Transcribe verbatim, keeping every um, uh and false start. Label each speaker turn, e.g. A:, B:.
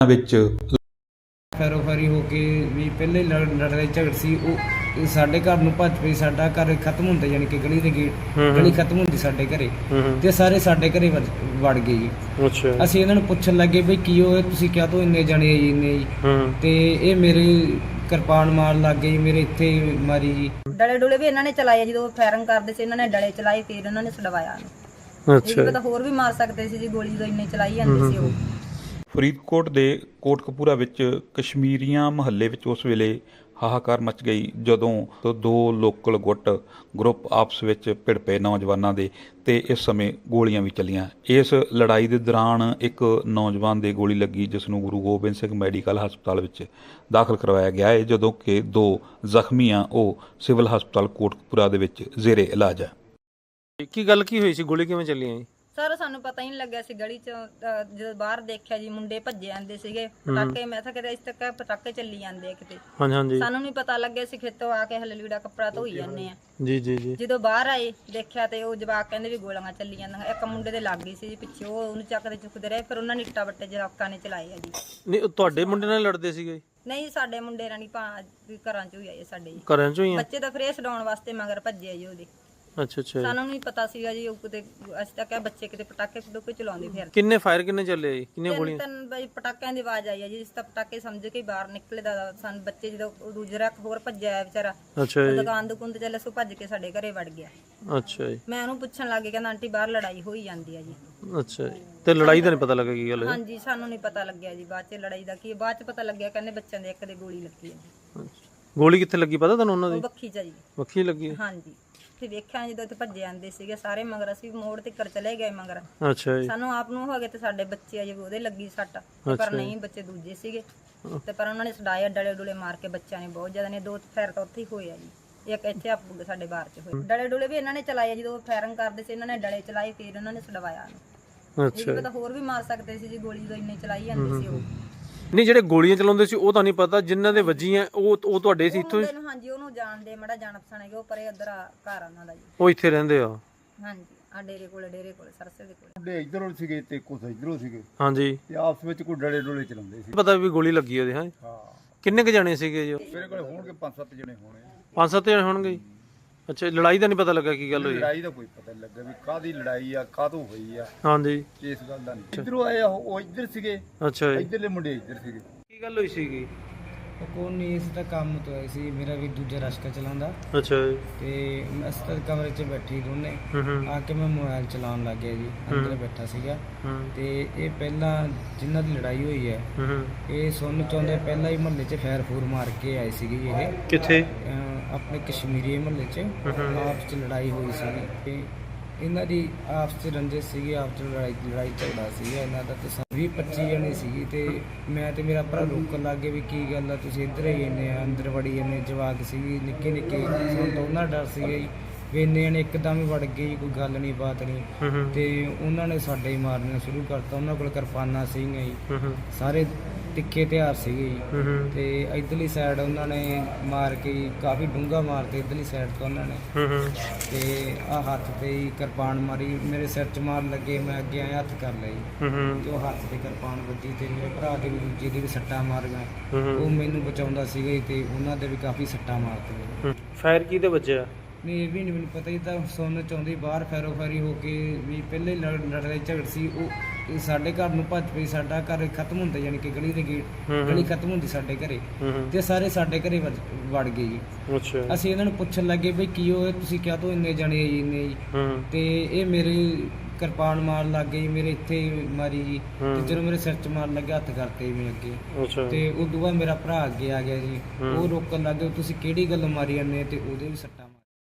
A: ਵਿੱਚ
B: ਫੈਰੋਫੈਰੀ ਹੋ ਕੇ ਵੀ ਪਹਿਲੇ ਲੜਾਈ ਝਗੜ ਸੀ ਉਹ ਸਾਡੇ ਘਰ ਨੂੰ ਭੱਜ ਪਈ। ਸਾਡਾ ਘਰ ਖਤਮ ਹੁੰਦਾ, ਯਾਨੀ ਕਿ ਗਲੀ ਦੇ ਗੇਟ ਗਲੀ ਖਤਮ ਹੁੰਦੀ ਸਾਡੇ ਘਰੇ, ਤੇ ਸਾਰੇ ਸਾਡੇ ਘਰੇ ਵੜ ਗਏ ਜੀ।
C: ਅੱਛਾ,
B: ਅਸੀਂ ਇਹਨਾਂ ਨੂੰ ਪੁੱਛਣ ਲੱਗੇ ਬਈ ਕੀ ਹੋਇਆ, ਤੁਸੀਂ ਕਿਹਾ ਤੋਂ ਇੰਨੇ ਜਣੇ ਜੀ ਇੰਨੇ ਜੀ, ਤੇ ਇਹ ਮੇਰੇ ਕਿਰਪਾਨ ਮਾਰਨ ਲੱਗ ਗਏ, ਮੇਰੇ ਇੱਥੇ ਮਾਰੀ ਜੀ।
D: ਡਲੇ ਡੁਲੇ ਵੀ ਇਹਨਾਂ ਨੇ ਚਲਾਏ, ਜਦੋਂ ਫਾਇਰਿੰਗ ਕਰਦੇ ਸੀ ਇਹਨਾਂ ਨੇ ਡਲੇ ਚਲਾਏ, ਫਿਰ ਇਹਨਾਂ ਨੇ ਛਡਵਾਇਆ।
C: ਅੱਛਾ,
D: ਇਹ ਤਾਂ ਹੋਰ ਵੀ ਮਾਰ ਸਕਦੇ ਸੀ ਜੀ, ਗੋਲੀ ਤੋਂ ਇੰਨੇ ਚਲਾਈ ਜਾਂਦੇ ਸੀ ਉਹ।
A: ਫਰੀਦਕੋਟ ਦੇ ਕੋਟਕਪੂਰਾ ਵਿੱਚ ਕਸ਼ਮੀਰੀਆਂ ਮੁਹੱਲੇ ਵਿੱਚ ਉਸ ਵੇਲੇ ਹਾਹਾਕਾਰ ਮਚ ਗਈ ਜਦੋਂ ਦੋ ਲੋਕਲ ਗੁੱਟ ਗਰੁੱਪ ਆਪਸ ਵਿੱਚ ਭਿੜ ਪਏ ਨੌਜਵਾਨਾਂ ਦੇ, ਤੇ ਇਸ ਸਮੇਂ ਗੋਲੀਆਂ ਵੀ ਚੱਲੀਆਂ। ਇਸ ਲੜਾਈ ਦੇ ਦੌਰਾਨ ਇੱਕ ਨੌਜਵਾਨ ਦੇ ਗੋਲੀ ਲੱਗੀ, ਜਿਸ ਨੂੰ ਗੁਰੂ ਗੋਬਿੰਦ ਸਿੰਘ ਮੈਡੀਕਲ ਹਸਪਤਾਲ ਵਿੱਚ ਦਾਖਲ ਕਰਵਾਇਆ ਗਿਆ ਹੈ, ਜਦੋਂ ਕਿ ਦੋ ਜ਼ਖਮੀ ਆ ਉਹ ਸਿਵਲ ਹਸਪਤਾਲ ਕੋਟਕਪੂਰਾ ਦੇ ਵਿੱਚ ਜ਼ੇਰੇ ਇਲਾਜ ਹੈ।
C: ਕੀ ਗੱਲ ਕੀ ਹੋਈ ਸੀ, ਗੋਲੀ ਕਿਵੇਂ ਚੱਲੀਆਂ ਜੀ?
D: ਸਰ ਸਾਨੂੰ ਪਤਾ ਹੀ ਨਹੀਂ ਲੱਗਿਆ ਸੀ, ਗਲੀ ਚ ਜਦੋਂ ਬਾਹਰ ਦੇਖਿਆ ਜੀ ਮੁੰਡੇ ਭੱਜੇ ਜਾਂਦੇ ਸੀਗੇ, ਪਟਾਕੇ ਮੈਂ ਤਾਂ ਕਿਤੇ ਇਸ ਤੱਕ ਪਟਾਕੇ ਚੱਲੀ ਜਾਂਦੇ ਆ ਕਿਤੇ।
C: ਹਾਂਜੀ ਹਾਂਜੀ,
D: ਸਾਨੂੰ ਨਹੀਂ ਪਤਾ ਲੱਗਿਆ ਸੀ, ਖੇਤੋਂ ਆ ਕੇ ਹਲੇ ਲੀੜਾ ਕੱਪੜਾ ਧੋਈ ਜਾਂਦੇ ਆ
C: ਜੀ ਜੀ ਜੀ।
D: ਜਦੋਂ ਬਾਹਰ ਆਏ ਦੇਖਿਆ ਤੇ ਉਹ ਜਵਾਕ ਕਹਿੰਦੇ ਵੀ ਗੋਲੀਆਂ ਚੱਲੀ ਜਾਂਦੀਆਂ। ਇੱਕ ਮੁੰਡੇ ਦੇ ਲੱਗ ਗਈ ਸੀ ਜੀ ਪਿੱਛੇ, ਉਹ ਉਹਨੂੰ ਚੱਕਦੇ ਚੁੱਕਦੇ ਰਹੇ, ਫਿਰ ਉਹਨਾਂ ਨੇ ਇੱਟਾਂ ਵੱਟੇ ਜਵਾਕਾਂ ਨੇ ਚਲਾਏ ਆ ਜੀ।
C: ਨਹੀਂ, ਤੁਹਾਡੇ ਮੁੰਡੇ ਨਾਲ ਲੜਦੇ ਸੀਗੇ?
D: ਨਹੀਂ, ਸਾਡੇ ਮੁੰਡੇ ਰਾਣੀ ਭਾ ਘਰਾਂ ਚੋਂ ਹੀ ਆਏ ਸਾਡੇ ਜੀ,
C: ਘਰਾਂ ਚੋਂ ਹੀ ਆ?
D: ਬੱਚੇ ਤਾਂ ਫਰੇਸ ਛਡਾਉਣ ਵਾਸਤੇ ਮਗਰ ਭੱਜੇ ਜੀ ਉਹਦੇ।
C: ਅੱਛਾ ਅੱਛਾ,
D: ਸਾਨੂੰ ਨਹੀਂ ਪਤਾ ਸੀਗਾ ਜੀ, ਉਹ ਕਿਤੇ ਅਸੀਂ ਤਾਂ ਕਿਹਾ ਬੱਚੇ ਕਿਤੇ ਪਟਾਕੇ ਪਟੂਕੇ ਚਲਾਉਂਦੇ ਫਿਰ।
C: ਕਿੰਨੇ ਫਾਇਰ ਕਿੰਨੇ ਚੱਲੇ ਜੀ, ਕਿੰਨੀਆਂ ਗੋਲੀਆਂ?
D: ਤਿੰਨ ਬਈ ਪਟਾਕਿਆਂ ਦੀ ਆਵਾਜ਼ ਆਈ ਹੈ ਜੀ, ਜਿਸ ਤਾਂ ਪਟਾਕੇ ਸਮਝ ਕੇ ਬਾਹਰ ਨਿਕਲੇ ਦਾ ਸਾਨੂੰ ਬੱਚੇ, ਜਦੋਂ ਦੂਜਾ ਹੋਰ ਭੱਜਿਆ ਆਇਆ ਵਿਚਾਰਾ,
C: ਅੱਛਾ ਜੀ,
D: ਦੁਕਾਨ ਦੁਕਾਨ ਤੇ ਚੱਲੇ ਸੋ ਭੱਜ ਕੇ ਸਾਡੇ ਘਰੇ ਵੜ ਗਿਆ।
C: ਅੱਛਾ ਜੀ,
D: ਮੈਂ ਉਹਨੂੰ ਪੁੱਛਣ ਲੱਗ ਗਿਆ, ਕਹਿੰਦਾ ਆਂਟੀ ਬਾਹਰ ਲੜਾਈ ਹੋਈ ਜਾਂਦੀ ਹੈ ਜੀ।
C: ਅੱਛਾ ਜੀ, ਤੇ ਲੜਾਈ ਦਾ ਨਹੀਂ ਪਤਾ ਲੱਗਾ ਕੀ ਗੱਲ ਹੈ?
D: ਹਾਂਜੀ, ਸਾਨੂੰ ਨਹੀਂ ਪਤਾ ਲੱਗਿਆ ਜੀ ਬਾਅਦ ਚ ਲੜਾਈ ਦਾ ਕੀ, ਬਾਅਦ ਚ ਪਤਾ ਲੱਗਿਆ ਕਹਿੰਦੇ ਬੱਚਿਆਂ ਦੇ ਇੱਕ ਦੇ ਗੋਲੀ ਲੱਗੀ ਹੈ।
C: ਗੋਲੀ ਕਿੱਥੇ ਲੱਗੀ ਪਤਾ ਤੁਹਾਨੂੰ ਉਹਨਾਂ
D: ਉਹ
C: ਦੀ?
D: ਬੱਖੀ ਚ ਜੀ।
C: ਬੱਖੀ ਲੱਗੀ?
D: ਹਾਂਜੀ, ਤੇ ਵੇਖਿਆ ਜਦੋਂ ਇੱਥੇ ਭੱਜੇ ਆਂਦੇ ਸੀਗੇ ਸਾਰੇ ਮਗਰ, ਅਸੀਂ ਮੋੜ ਤੇ ਕਰ ਚਲੇ ਗਏ ਮਗਰ।
C: ਅੱਛਾ ਜੀ,
D: ਸਾਨੂੰ ਆਪ ਨੂੰ ਹੋ ਗਏ ਤੇ ਸਾਡੇ ਬੱਚੇ ਆ ਜੀ ਉਹਦੇ ਲੱਗੀ ਸੱਟ, ਪਰ ਨਹੀਂ ਬੱਚੇ ਦੂਜੇ ਸੀਗੇ, ਤੇ ਪਰ ਉਹਨਾਂ ਨੇ ਛਡਾਇਆ, ਡਲੇ ਡੁਲੇ ਮਾਰ ਕੇ ਬੱਚਿਆਂ ਨੇ ਬਹੁਤ ਜ਼ਿਆਦਾ ਨੇ, ਦੋ ਫਾਇਰ ਤਾਂ ਉੱਥੇ ਹੀ ਹੋਏ ਆ ਜੀ, ਇੱਕ ਇੱਥੇ ਆਪ ਸਾਡੇ ਬਾਹਰ ਚ ਹੋਏ। ਡਲੇ ਡੁਲੇ ਵੀ ਇਹਨਾਂ ਨੇ ਚਲਾਏ, ਜਦੋਂ ਫਾਇਰਿੰਗ ਕਰਦੇ ਸੀ ਇਹਨਾਂ ਨੇ ਡਲੇ ਚਲਾਏ, ਫਿਰ ਉਹਨਾਂ ਨੇ ਛਡਵਾਇਆ।
C: ਅੱਛਾ,
D: ਇਹ ਤਾਂ ਹੋਰ ਵੀ ਮਾਰ ਸਕਦੇ ਸੀ ਜੀ, ਗੋਲੀ ਤੋਂ ਇੰਨੇ ਚਲਾਈ ਜਾਂਦੇ ਸੀ ਉਹ।
C: ਨਹੀਂ, ਜਿਹੜੇ ਗੋਲੀਆਂ ਚਲਾਉਂਦੇ ਸੀ ਉਹ ਤਾਂ ਨਹੀਂ ਪਤਾ, ਜਿਨ੍ਹਾਂ ਦੇ ਵੱਜੀਆਂ ਉਹ ਉਹ ਤੁਹਾਡੇ ਸੀ ਇੱਥੋਂ?
D: ਹਾਂਜੀ, ਉਹਨੂੰ ਜਾਣਦੇ ਮੜਾ ਜਾਣ ਪਛਾਣ ਹੈਗੇ, ਉਹ ਪਰੇ ਉਧਰ ਘਰ ਉਹਨਾਂ ਦਾ ਜੀ।
C: ਉਹ ਇੱਥੇ ਰਹਿੰਦੇ ਆ?
D: ਹਾਂਜੀ, ਆ ਡੇਰੇ ਕੋਲੇ, ਡੇਰੇ ਕੋਲੇ ਸਰਸੇ ਦੇ ਕੋਲੇ।
E: ਮੁੰਡੇ ਇਧਰੋਂ ਸੀਗੇ ਤੇ ਕੁਝ ਇਧਰੋਂ ਸੀਗੇ,
C: ਹਾਂਜੀ,
E: ਤੇ ਆਪਸ ਵਿੱਚ ਕੋਈ ਡਲੇ ਡੋਲੇ ਚਲਾਉਂਦੇ ਸੀ।
C: ਪਤਾ ਵੀ ਗੋਲੀ ਲੱਗੀ ਉਹਦੇ? ਹਾਂ,
E: ਹਾਂ,
C: ਕਿੰਨੇ ਕੁ ਜਾਣੇ ਸੀਗੇ ਜੀ?
E: ਮੇਰੇ ਕੋਲ ਹੋਣਗੇ ਪੰਜ ਸੱਤ ਜਣੇ ਹੋਣੇ।
C: ਪੰਜ ਸੱਤ ਜਣੇ ਹੋਣਗੇ? ਅੱਛਾ, ਲੜਾਈ ਦਾ ਨਹੀਂ ਪਤਾ ਲੱਗਾ ਕੀ ਗੱਲ ਹੋਈ?
E: ਲੜਾਈ ਦਾ ਕੋਈ ਪਤਾ ਨਹੀਂ ਲੱਗਾ ਵੀ ਕਾਹਦੀ ਲੜਾਈ ਆ, ਕਾਹਤੋਂ ਹੋਈ ਆ,
C: ਹਾਂਜੀ,
E: ਇਸ ਗੱਲ ਦਾ ਨਹੀਂ। ਇਧਰੋਂ ਆਏ ਆ, ਉਹ ਇੱਧਰ ਸੀਗੇ,
C: ਅੱਛਾ ਜੀ,
E: ਇੱਧਰਲੇ ਮੁੰਡੇ ਇੱਧਰ ਸੀਗੇ।
C: ਕੀ ਗੱਲ ਹੋਈ ਸੀਗੀ?
B: ਉਹ ਕੋਈ ਨਹੀਂ, ਇਸ ਦਾ ਕੰਮ ਤੋਂ ਆਏ ਸੀ, ਮੇਰਾ ਵੀ ਦੂਜਾ ਰਸ਼ਕਾ ਚਲਾਉਂਦਾ,
C: ਅੱਛਾ ਜੀ,
B: ਤੇ ਅਸੀਂ ਤਾਂ ਕਮਰੇ 'ਚ ਬੈਠੀ ਦੋਨੇ,
C: ਹੂੰ ਹੂੰ,
B: ਆ ਕੇ ਮੈਂ ਮੋਬਾਈਲ ਚਲਾਉਣ ਲੱਗ ਗਿਆ ਜੀ, ਅੰਦਰ ਬੈਠਾ ਸੀਗਾ।
C: ਹੂੰ
B: ਤੇ ਇਹ ਪਹਿਲਾਂ ਜਿਨ੍ਹਾਂ ਦੀ ਲੜਾਈ ਹੋਈ ਹੈ,
C: ਹੂੰ,
B: ਇਹ ਸੁਣਨ ਚਾਹੁੰਦੇ ਪਹਿਲਾਂ ਹੀ ਮੁਹੱਲੇ 'ਚ ਫੈਰ ਫੂਰ ਮਾਰ ਕੇ ਆਏ ਸੀਗੇ ਜੀ। ਇਹ
C: ਕਿੱਥੇ?
B: ਅਹ ਆਪਣੇ ਕਸ਼ਮੀਰੀ ਮੁਹੱਲੇ 'ਚ ਆਪਸ 'ਚ ਲੜਾਈ ਹੋਈ ਸੀਗੀ, ਤੇ ਇਹਨਾਂ ਦੀ ਆਪਸ 'ਚ ਰੰਜਿਸ਼ ਸੀਗੀ, ਆਪਸ 'ਚ ਲੜਾਈ ਲੜਾਈ ਝਗੜਾ ਸੀਗਾ ਇਹਨਾਂ ਦਾ, ਤੇ ਵੀਹ ਪੱਚੀ ਜਣੇ ਸੀਗੀ, ਤੇ ਮੈਂ ਤੇ ਮੇਰਾ ਭਰਾ ਰੋਕਣ ਲੱਗ ਗਏ ਵੀ ਕੀ ਗੱਲ ਆ, ਤੁਸੀਂ ਇੱਧਰ ਹੀ ਇੰਨੇ ਆ, ਅੰਦਰ ਵੜੀ ਇੰਨੇ ਜਵਾਕ ਸੀਗੀ ਨਿੱਕੇ ਨਿੱਕੇ, ਸਾਨੂੰ ਤਾਂ ਉਹਨਾਂ ਡਰ ਸੀਗਾ ਜੀ ਵੀ ਇੰਨੇ ਜਣੇ ਇੱਕਦਮ ਹੀ ਵੜ ਗਏ ਜੀ, ਕੋਈ ਗੱਲ ਨਹੀਂ ਬਾਤ ਨਹੀਂ, ਤੇ ਉਹਨਾਂ ਨੇ ਸਾਡੇ ਹੀ ਮਾਰਨਾ ਸ਼ੁਰੂ ਕਰਤਾ। ਉਹਨਾਂ ਕੋਲ ਕਿਰਪਾਨਾਂ ਸੀਗੀਆਂ ਜੀ, ਸਾਰੇ ਤਿੱਖੇ ਹਥਿਆਰ ਸੀਗੇ ਜੀ, ਤੇ ਇੱਧਰਲੀ ਸਾਈਡ ਉਹਨਾਂ ਨੇ ਮਾਰ ਕੇ ਕਾਫੀ ਡੂੰਘਾ ਮਾਰਤੇ, ਇੱਧਰਲੀ ਸਾਈਡ ਤੋਂ ਉਹਨਾਂ ਨੇ, ਤੇ ਆਹ ਹੱਥ ਤੇ ਹੀ ਕਿਰਪਾਨ ਮਾਰੀ, ਮੇਰੇ ਸਿਰ 'ਚ ਮਾਰਨ ਲੱਗੇ, ਮੈਂ ਅੱਗੇ ਆਇਆ ਹੱਥ ਕਰ ਲਿਆ ਜੀ, ਤੇ ਉਹ ਹੱਥ ਤੇ ਕਿਰਪਾਨ ਵੱਜੀ, ਤੇ ਮੇਰੇ ਭਰਾ ਦੇ ਵੀ ਦੂਜੇ ਦੇ ਵੀ ਸੱਟਾਂ ਮਾਰੀਆਂ, ਉਹ ਮੈਨੂੰ ਬਚਾਉਂਦਾ ਸੀਗਾ ਜੀ, ਤੇ ਉਹਨਾਂ ਦੇ ਵੀ ਕਾਫੀ ਸੱਟਾਂ ਮਾਰਤੀਆਂ।
C: ਫਾਇਰ ਕਿਹਦੇ ਵੱਜਿਆ?
B: ਨਹੀਂ, ਇਹ ਵੀ ਨਹੀਂ ਮੈਨੂੰ ਪਤਾ, ਇਹ ਤਾਂ ਸੁਣਨ ਚਾਹੁੰਦੀ ਬਾਹਰ ਫੈਰੋ ਫੈਰੀ ਹੋ ਕੇ ਵੀ ਪਹਿਲੇ ਲੜਾਈ ਝਗੜ ਸੀ ਉਹ ਸਾਡੇ ਘਰ ਨੂੰ ਭੱਜ ਪਈ। ਸਾਡਾ ਘਰ ਖਤਮ ਹੁੰਦਾ, ਯਾਨੀ ਕਿ ਗਲੀ ਦੇ ਗੇਟ ਗਲੀ ਖਤਮ ਹੁੰਦੀ ਸਾਡੇ ਘਰੇ, ਤੇ ਸਾਰੇ ਸਾਡੇ ਘਰੇ ਵੜ ਗਏ ਜੀ।
C: ਅੱਛਾ,
B: ਅਸੀਂ ਇਹਨਾਂ ਨੂੰ ਪੁੱਛਣ ਲੱਗੇ ਬਈ ਕੀ ਹੋਇਆ, ਤੁਸੀਂ ਕਿਹਾ ਤੋਂ ਇੰਨੇ ਜਣੇ ਜੀ ਇੰਨੇ ਜੀ, ਤੇ ਇਹ ਮੇਰੇ ਕਿਰਪਾਨ ਮਾਰਨ ਲੱਗ ਗਏ, ਮੇਰੇ ਇੱਥੇ ਮਾਰੀ ਜੀ, ਤੇ ਜਦੋਂ ਮੇਰੇ ਸਿਰ 'ਚ ਮਾਰਨ ਲੱਗੇ ਹੱਥ ਕਰਤੇ ਮੈਂ ਅੱਗੇ, ਤੇ ਉਦੋਂ ਬਾਅਦ ਮੇਰਾ ਭਰਾ ਅੱਗੇ ਆ ਗਿਆ ਜੀ, ਉਹ ਰੋਕਣ ਲੱਗ ਗਏ, ਤੁਸੀਂ ਕਿਹੜੀ ਗੱਲ ਮਾਰੀ ਜਾਂਦੇ, ਤੇ ਉਹਦੇ ਵੀ ਸੱਟਾਂ